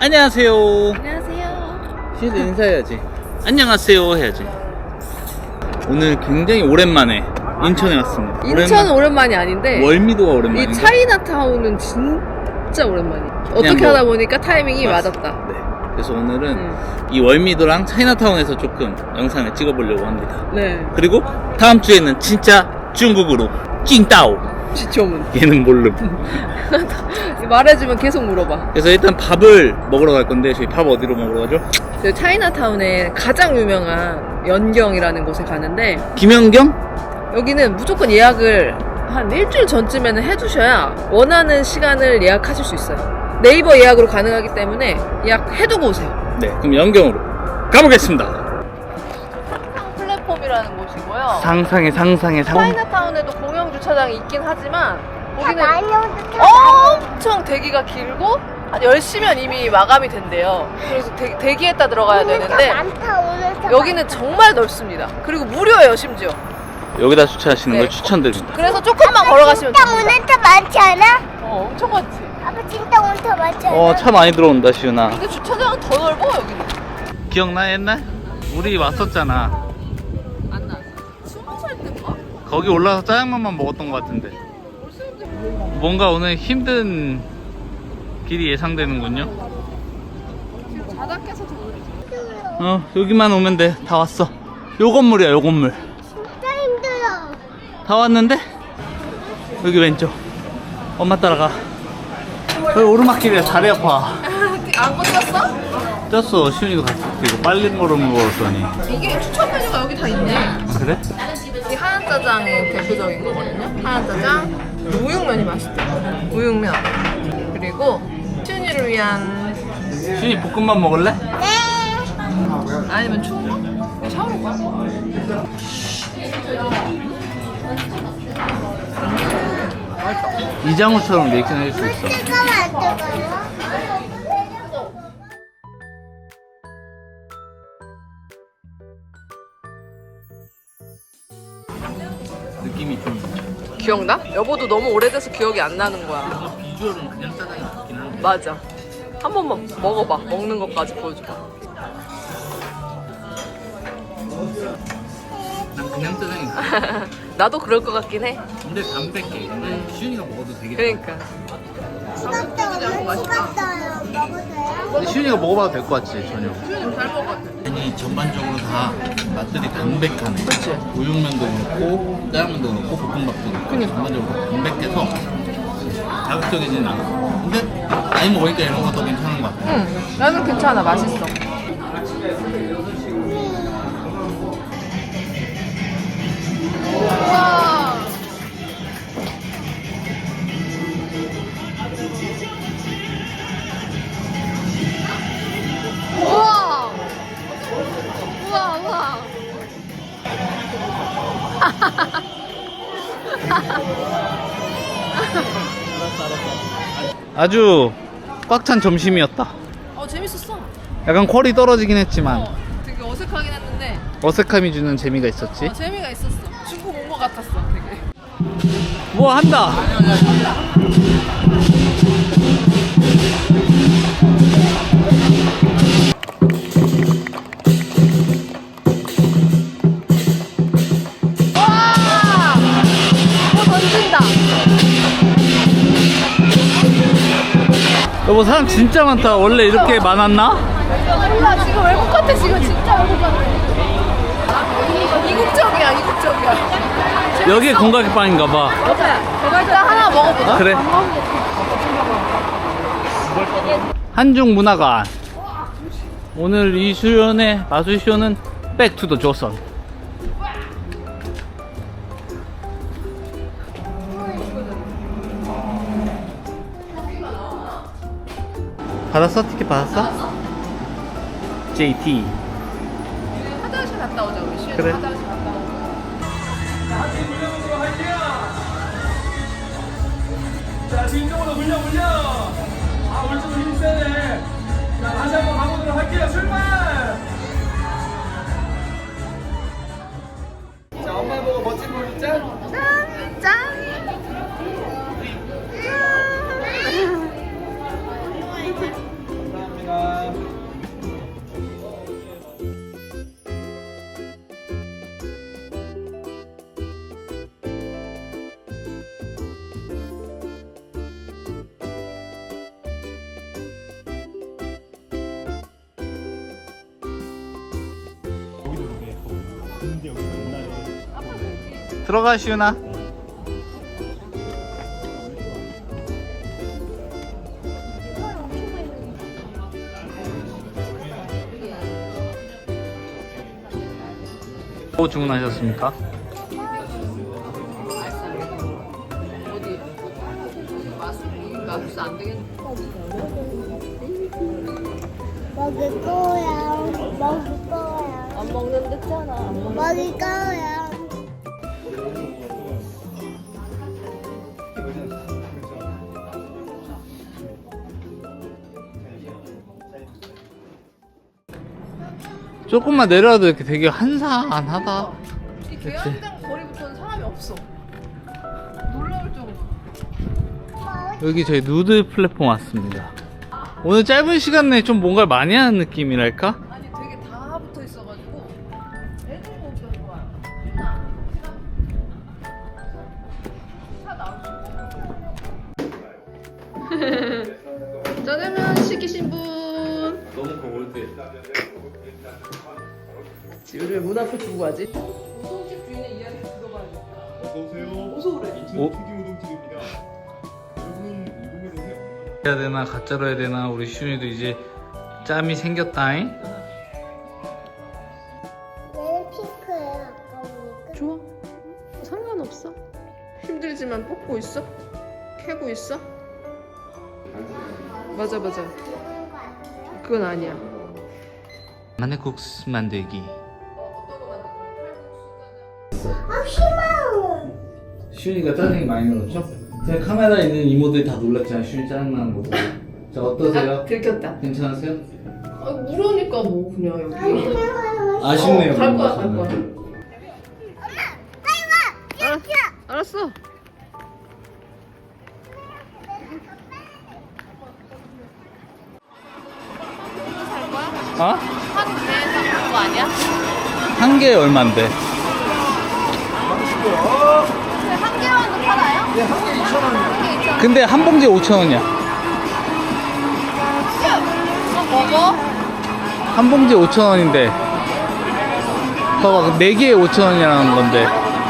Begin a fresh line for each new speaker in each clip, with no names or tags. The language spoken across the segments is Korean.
안녕하세요.
안녕하세요.
시도 인사해야지. 안녕하세요 해야지. 오늘 굉장히 오랜만에 인천에 왔습니다.
인천은 오랜만이 아닌데
월미도가 오랜만이고
이 차이나타운은 진짜 오랜만이야. 어떻게
뭐
하다 보니까 타이밍이 맞았다.
네. 그래서 오늘은 이 월미도랑 차이나타운에서 조금 영상을 찍어보려고 합니다.
네.
그리고 다음 주에는 진짜 중국으로 찡따오.
지초문.
얘는 모름.
말해주면 계속 물어봐.
그래서 일단 밥을 먹으러 갈 건데 저희 밥 어디로 먹으러 가죠?
저 차이나타운에 가장 유명한 연경이라는 곳에 가는데
김연경?
여기는 무조건 예약을 한 일주일 전쯤에는 해두셔야 원하는 시간을 예약하실 수 있어요. 네이버 예약으로 가능하기 때문에 예약해두고 오세요.
네, 그럼 연경으로 가보겠습니다.
플랫폼이라는 곳이고요.
상상의
차이나타운에도 공영 주차장이 있긴 하지만 거기는 엄청 대기가 길고 한 10시면 이미 마감이 된대요. 그래서 대기했다 들어가야 되는데 여기는 정말 넓습니다. 그리고 무료예요, 심지어.
여기다 주차하시는
네.
걸 추천드립니다.
그래서 조금만 걸어가시면
진짜
됩니다.
오늘 차 많지 않아?
엄청 많지.
아빠 진짜 오늘 차 많지 않아?
차 많이 들어온다 시윤아.
근데 주차장은 더 넓어, 여기는.
기억나 옛날? 우리 왔었잖아.
안 나. 20살 때인가?
거기 올라서 짜장면만 먹었던 것 같은데. 뭔가 오늘 힘든 길이 예상되는군요.
지금 자작해서 더 그러지.
여기만 오면 돼. 다 왔어. 요 건물이야, 요 건물.
진짜 힘들어.
다 왔는데? 여기 왼쪽. 엄마 따라가. 여기 오르막길이야. 다리 아파.
안 건졌어?
쪘어. 시윤이도 같이 이거 빨리 걸음을 걸었더니.
이게 추천 메뉴가 여기 다 있네.
그래?
이 하얀 짜장이 대표적인 거거든요. 하얀 짜장, 우육면이 맛있대요. 우육면. 그리고 춘이를 위한
시윤이 볶음밥 먹을래?
아니면 충무? 이거 샤워로 가?
이장우처럼 리액션 해줄 수 있어.
뜨거워 안 뜨거워?
느낌이 좀.
기억나? 여보도 너무 오래돼서 기억이 안 나는 거야.
비주얼은 그냥 짜장이 같긴 한데.
맞아. 한 번만 먹어봐. 먹는 것까지 보여줘봐.
난 그냥 짜장이.
나도 그럴 것 같긴 해.
근데 담백해. 근데 시윤이가 먹어도 되게.
그러니까.
식었어요. 먹어도 돼요?
근데 시윤이가 먹어봐도 될 것 같지 전혀.
잘 먹었어.
아니 전반적으로 다 맛들이 담백하네.
그치?
우육면도 그렇고 짜장면도 그렇고 볶음밥도 그렇고
그니까.
전반적으로 다 담백해서 자극적이진 않아. 근데 나이 먹으니까 이런 것도 괜찮은 것 같아.
응. 나는 괜찮아. 맛있어. 우와. 우와. 우와, 우와.
아주 꽉 찬 점심이었다.
재밌었어.
약간 퀄이 떨어지긴 했지만
되게 어색하긴 했는데
어색함이 주는 재미가 있었지.
재미가 있었어. 중국 온 것 같았어, 되게.
뭐 한다.
와! 뭐 던진다.
여보 사람 진짜 많다. 원래 이렇게 많았나?
몰라, 지금 외국 같아. 지금 진짜 외국 같아. 이국적이야, 이국적이야.
여기에 공각빵인가 봐.
맞아. 일단 하나 먹어보자.
그래. 한중 문화관. 오늘 이 수련의 마술쇼는 백투더 조선. 받았어? 티켓 받았어? JT.
화장실 갔다 오자, 우리 시에.
그래.
화장실 갔다 오자.
자, 뒤쪽으로 물려. 아, 오른쪽으로 힘 세네. 자, 다시 한번 가보도록 할게요. 출발! 자, 엄마 보고 멋진 모습 짠!
짠!
감사합니다.
들어가 시윤아. 뭐 주문하셨습니까?
어디? 마술 안 되겠네.
먹을 거야. 먹을 거야.
안 먹는 듯잖아.
먹을 거야.
조금만 내려와도 이렇게 되게 한산하다.
이 계양장 거리부터는 사람이 없어. 놀라울 정도.
여기 저희 누드 플랫폼 왔습니다. 오늘 짧은 시간 내에 좀 뭔가를 많이 하는 느낌이랄까?
아니 되게 다 붙어 있어가지고 애들 보기가 좋아요. 차 나오시고. 짜장면 시키신 분.
너무 거울대.
우리 문 앞에 두고 가지? 우동집 주인의 이야기 들어봐야겠다.
어서오세요.
어서 그래.
인천
오?
특유 우동집입니다. 여러분 이동해도
해야 되나 가짜로 해야 되나 우리 시윤이도 이제 짬이 생겼다잉.
얘는 핑크예요. 아까 보니까.
좋아. 상관없어. 힘들지만 뽑고 있어? 캐고 있어? 맞아.
그런 거 아니에요?
그건 아니야.
마늘국수 만들기.
아, 싫어.
시윤이가 짜증이 많이 늘었죠? 제가 카메라에 있는 이모들이 다 놀랐잖아요. 시윤이 짜증나는 거 보고. 자 어떠세요?
들켰다.
괜찮으세요?
물으니까 뭐 그냥 여기.
아쉽네요.
갈 거야,
저는.
갈 거야. 알았어.
어?
한 개에서 그거 아니야?
한 개에 얼만데?
한 개만도 팔아요? 네, 한 개 2,000원.
근데 한 봉지에 5,000원이야.
먹어?
한 봉지에 5,000원인데. 봐봐, 4개에 5,000원이라는 건데.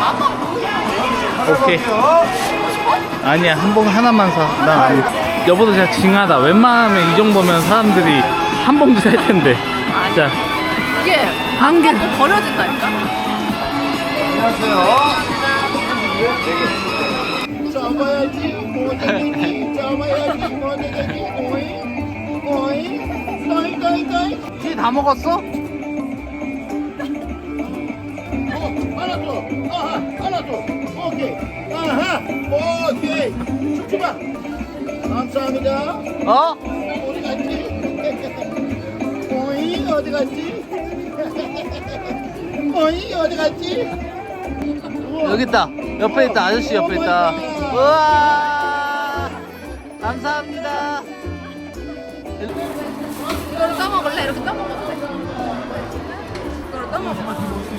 오케이. 아니야, 한 봉 하나만 사. 나 아니. 여보도 진짜 징하다. 웬만하면 이 정도면 사람들이 한 봉지 살 텐데. 자,
이게
한 개.
또 버려진다니까?
잡아야지 모내기 잡아야지 모내기 오잉 오잉 떠잉
쥐 다 먹었어?
하나 더 아하 하나 더 오케이 아하 오케이 춤추봐 감사합니다
어?
어디 갔지 오잉 어디 갔지 오잉 어디 갔지
여기 있다. 옆에 있다. 아저씨 옆에 있다. 우와! 감사합니다.
이거를 떠먹을래? 이렇게 떠먹어도 돼? 이거를 떠먹어.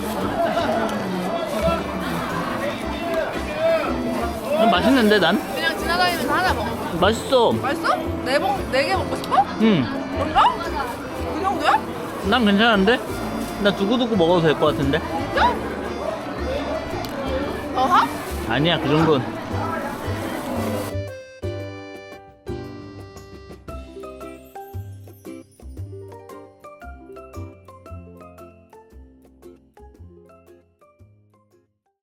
맛있는데 난?
그냥 지나다니면서 하나 먹어.
맛있어.
맛있어? 네 개 먹고 싶어?
응.
그런가? 그 정도야?
난 괜찮은데? 나 두고두고 먹어도 될 것 같은데?
진짜? 더 하?
아니야, 그 정도는.